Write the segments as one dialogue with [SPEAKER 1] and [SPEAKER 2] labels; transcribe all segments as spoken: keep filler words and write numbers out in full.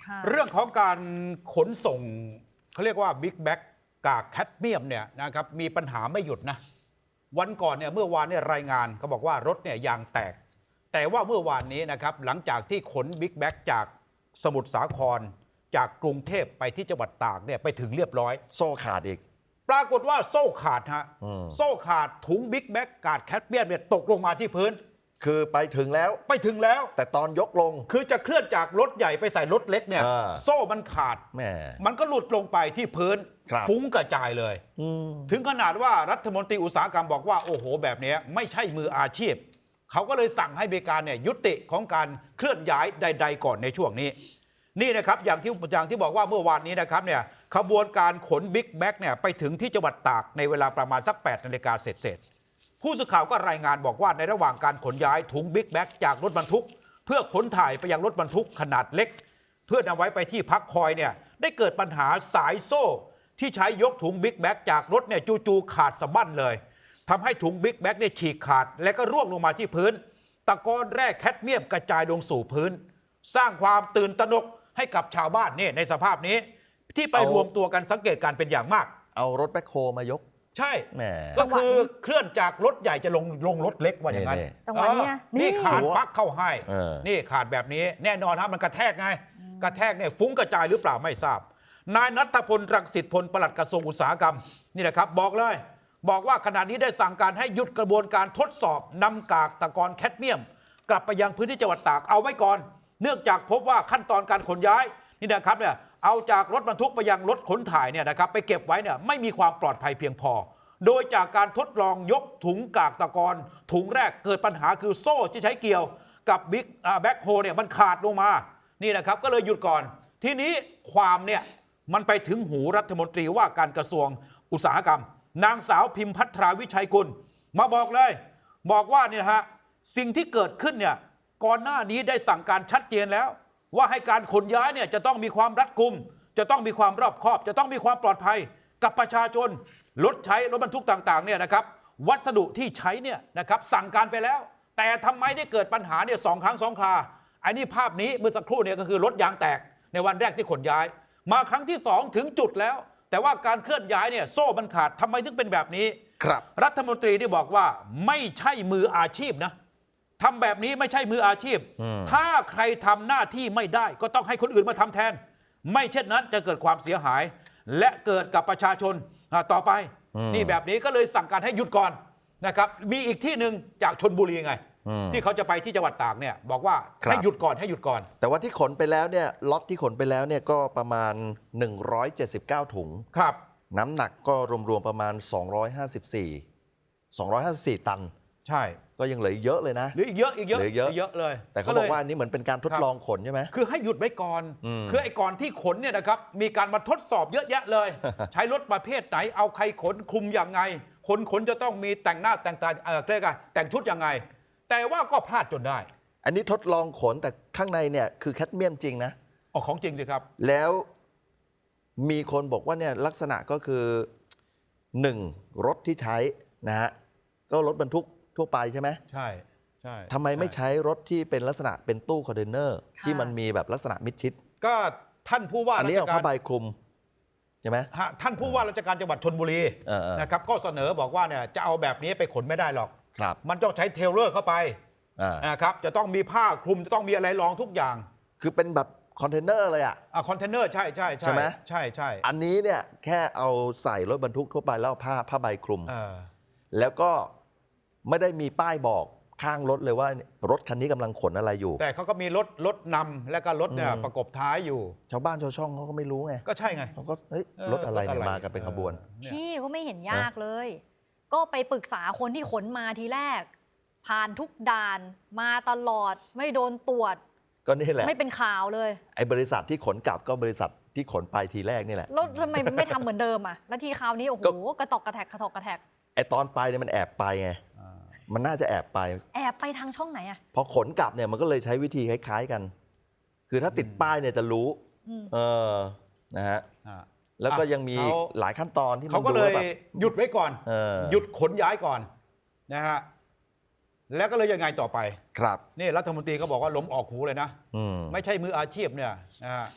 [SPEAKER 1] เรื่องของการขนส่งเขาเรียกว่าบิ๊กแบ็กกากแคดเมียมเนี่ยนะครับมีปัญหาไม่หยุดนะวันก่อนเนี่ยเมื่อวานเนี่ยรายงานเขาบอกว่ารถเนี่ยยางแตกแต่ว่าเมื่อวานนี้นะครับหลังจากที่ขนบิ๊กแบ็กจากสมุทรสาครจากกรุงเทพไปที่จังหวัดตากเนี่ยไปถึงเรียบร้อย
[SPEAKER 2] โซ่ขาดอีก
[SPEAKER 1] ปรากฏว่าโซ่ขาดฮะโซ่ขาดถุงบิ๊กแบ็กกากแคดเมียมเนี่ยตกลงมาที่พื้น
[SPEAKER 2] คือไปถึงแล้ว
[SPEAKER 1] ไปถึงแล้ว
[SPEAKER 2] แต่ตอนยกลง
[SPEAKER 1] คือจะเคลื่อนจากรถใหญ่ไปใส่รถเล็กเนี่ยโซ่มันขาด
[SPEAKER 2] แหม
[SPEAKER 1] มันก็หลุดลงไปที่พื้นฟุ้งกระจายเลยถึงขนาดว่ารัฐมนตรีอุตสาหกรรมบอกว่าโอ้โหแบบนี้ไม่ใช่มืออาชีพเขาก็เลยสั่งให้บริการเนี่ยยุติของการเคลื่อนย้ายใดๆก่อนในช่วงนี้นี่นะครับอย่างที่อย่างที่บอกว่าเมื่อวานนี้นะครับเนี่ยขบวนการขนบิ๊กแบ็กเนี่ยไปถึงที่จังหวัดตากในเวลาประมาณสักแปดนาฬิกาเศษผู้สื่อข่าวก็รายงานบอกว่าในระหว่างการขนย้ายถุงบิ๊กแบ็กจากรถบรรทุกเพื่อขนถ่ายไปยังรถบรรทุกขนาดเล็กเพื่อนำไว้ไปที่พักคอยเนี่ยได้เกิดปัญหาสายโซ่ที่ใช้ยกถุงบิ๊กแบ็กจากรถเนี่ยจู่ๆขาดสะบั้นเลยทำให้ถุงบิ๊กแบ็กเนี่ยฉีกขาดและก็ร่วงลงมาที่พื้นตะกอนแร่แคดเมียมกระจายลงสู่พื้นสร้างความตื่นตระหนกให้กับชาวบ้านเนี่ยในสภาพนี้ที่ไปรวมตัวกันสังเกตการเป็นอย่างมาก
[SPEAKER 2] เอารถแบ็คโฮมายก
[SPEAKER 1] ใช่ก็คือเคลื่อนจากรถใหญ่จะลงลงรถเล็กว่าอย่างนั้น
[SPEAKER 3] จังหวะนี้
[SPEAKER 1] นี่ขาดปลั๊กเข้าให้นี่ขาดแบบนี้แน่นอนครับมันกระแทกไงกระแทกเนี่ยฟุ้งกระจายหรือเปล่าไม่ทราบนายณัฐพลรังสิตพลปลัดกระทรวงอุตสาหกรรมนี่แหละครับบอกเลยบอกว่าขณะนี้ได้สั่งการให้หยุดกระบวนการทดสอบนำกากตะกอนแคดเมียมกลับไปยังพื้นที่จังหวัดตากเอาไว้ก่อนเนื่องจากพบว่าขั้นตอนการขนย้ายนี่นะครับเนี่ยเอาจากรถบรรทุกไปยังรถขนถ่ายเนี่ยนะครับไปเก็บไว้เนี่ยไม่มีความปลอดภัยเพียงพอโดยจากการทดลองยกถุงกากตะกอนถุงแรกเกิดปัญหาคือโซ่ที่ใช้เกี่ยวกับบิ๊กแบ็คโฮเนี่ยมันขาดลงมานี่นะครับก็เลยหยุดก่อนทีนี้ความเนี่ยมันไปถึงหูรัฐมนตรีว่าการกระทรวงอุตสาหกรรมนางสาวพิมพัทราวิชัยกุลมาบอกเลยบอกว่านี่นะฮะสิ่งที่เกิดขึ้นเนี่ยก่อนหน้านี้ได้สั่งการชัดเจนแล้วว่าให้การขนย้ายเนี่ยจะต้องมีความรัดกุมจะต้องมีความรอบคอบจะต้องมีความปลอดภัยกับประชาชนรถใช้รถบรรทุกต่างๆเนี่ยนะครับวัสดุที่ใช้เนี่ยนะครับสั่งการไปแล้วแต่ทำไมได้เกิดปัญหาเนี่ยสองครั้งสองคราไอ้นี่ภาพนี้เมื่อสักครู่เนี่ยก็คือรถยางแตกในวันแรกที่ขนย้ายมาครั้งที่สองถึงจุดแล้วแต่ว่าการเคลื่อนย้ายเนี่ยโซ่มันขาดทำไมถึงเป็นแบบนี้
[SPEAKER 2] ครับ
[SPEAKER 1] รัฐมนตรีที่บอกว่าไม่ใช่มืออาชีพนะทำแบบนี้ไม่ใช่มืออาชีพถ้าใครทำหน้าที่ไม่ได้ก็ต้องให้คนอื่นมาทำแทนไม่เช่นนั้นจะเกิดความเสียหายและเกิดกับประชาชนต่อไปนี่แบบนี้ก็เลยสั่งการให้หยุดก่อนนะครับมีอีกที่หนึ่งจากชลบุรีไงที่เขาจะไปที่จังหวัดตากเนี่ยบอกว่าให้หยุดก่อนให้หยุดก่อน
[SPEAKER 2] แต่ว่าที่ขนไปแล้วเนี่ยล็อตที่ขนไปแล้วเนี่ยก็ประมาณหนึ่งร้อยเจ็ดสิบเก้าถุง
[SPEAKER 1] ครับ
[SPEAKER 2] น้ำหนักก็รวมๆประมาณสองร้อยห้าสิบสี่ สองร้อยห้าสิบสี่ตัน
[SPEAKER 1] ใช่
[SPEAKER 2] ก็ยังเหลือเยอะเลยนะ
[SPEAKER 1] เหลืออีกเยอะอีกเยอะเยอะเลย
[SPEAKER 2] แต่เขาบอกว่าอันนี้เหมือนเป็นการทดลองขนใช่ไหม
[SPEAKER 1] คือให้หยุดไว้ก่อนคือไอ้ก่อนที่ขนเนี่ยนะครับมีการมาทดสอบเยอะแยะเลย ใช้รถประเภทไหนเอาใครขนคุมอย่างไงคนขนจะต้องมีแต่งหน้าแต่งตาเออเรียกอะไรแต่งชุดยังไงแต่ว่าก็พลาดจนได้
[SPEAKER 2] อันนี้ทดลองขนแต่ข้างในเนี่ยคือแคดเมียมจริงนะ
[SPEAKER 1] อ๋อของจริงสิครับ
[SPEAKER 2] แล้วมีคนบอกว่าเนี่ยลักษณะก็คือหนึ่งรถที่ใช้นะฮะก็รถบรรทุกทั่วไปใช่ไหม
[SPEAKER 1] ใช่ใช่
[SPEAKER 2] ทำไมไม่ใช้รถที่เป็นลักษณะเป็นตู้คอนเทนเนอร์ที่มันมีแบบลักษณะมิดชิด
[SPEAKER 1] ก็ท่านผู้ว่า
[SPEAKER 2] อันนี้เอาผ้าใบคลุมใช่ไหม
[SPEAKER 1] ท่านผู้ว่าราชการจังหวัดชลบุรีนะครับก็เสนอบอกว่าเนี่ยจะเอาแบบนี้ไปขนไม่ได้หรอกมันต้องใช้เทเลอร์เข้าไปนะครับจะต้องมีผ้าคลุมจะต้องมีอะไรรองทุกอย่าง
[SPEAKER 2] คือเป็นแบบคอนเทนเนอร์เลยอ่ะ
[SPEAKER 1] คอนเทนเนอร์ใช่ใช่ใช่ไหมใช่ใช่
[SPEAKER 2] อันนี้เนี่ยแค่เอาใส่รถบรรทุกทั่วไปแล้วผ้าผ้าใบคลุมแล้วก็ไม่ได้มีป้ายบอกข้างรถเลยว่ารถคันนี้กำลังขนอะไรอยู่
[SPEAKER 1] แต่เขาก็มีรถรถนำและก็รถเนี่ยประกบท้ายอยู่
[SPEAKER 2] ชาวบ้านชาวช่องเขาก็ไม่รู้ไง
[SPEAKER 1] ก็ใช่ไง
[SPEAKER 2] เขาก็เฮ้ยรถอะไรเนี่ยมากันเป็นขบวน
[SPEAKER 3] พี่ก็ไม่เห็นยากเลยก็ไปปรึกษาคนที่ขนมาทีแรกผ่านทุกด่านมาตลอดไม่โดนตรวจ
[SPEAKER 2] ก็นี่แหละ
[SPEAKER 3] ไม่เป็นข่าวเลย
[SPEAKER 2] ไอ้บริษัทที่ขนกลับก็บริษัทที่ขนไปทีแรกนี่แหละ
[SPEAKER 3] แล้วทำไมไม่ทำเหมือนเดิมอ่ะแล้วทีคราวนี้โอ้โหกระตอกกระแทกกระตอกกระแทก
[SPEAKER 2] ไอ้ตอนไปเนี่ยมันแอบไปไงมันน่าจะแอบไป
[SPEAKER 3] แอบไปทางช่องไหนอ่ะ
[SPEAKER 2] พอขนกลับเนี่ยมันก็เลยใช้วิธีคล้ายๆกันคือถ้าติดป้ายเนี่ยจะรู้เออนะฮะแล้วก็ยังมีหลายขั้นตอนที่
[SPEAKER 1] เขาก็เลยหยุดไว้ก่อนหยุดขนย้ายก่อนนะฮะแล้วก็เลยยังไงต่อไป
[SPEAKER 2] ครับ
[SPEAKER 1] นี่รัฐมนตรีก็บอกว่าล้มออกหูเลยนะไม่ใช่มืออาชีพเนี่ยนะฮะ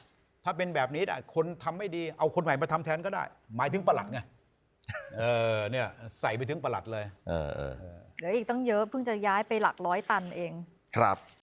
[SPEAKER 1] ถ้าเป็นแบบนี้นะคนทำไม่ดีเอาคนใหม่มาทำแทนก็ได้ หมายถึงปลัดไงเออเนี่ยใส่ไปถึงปลัดเลย
[SPEAKER 2] เออเออ
[SPEAKER 3] เหลืออีกตั้งเยอะเพิ่งจะย้ายไปหลักร้อยตันเอง
[SPEAKER 2] ครับ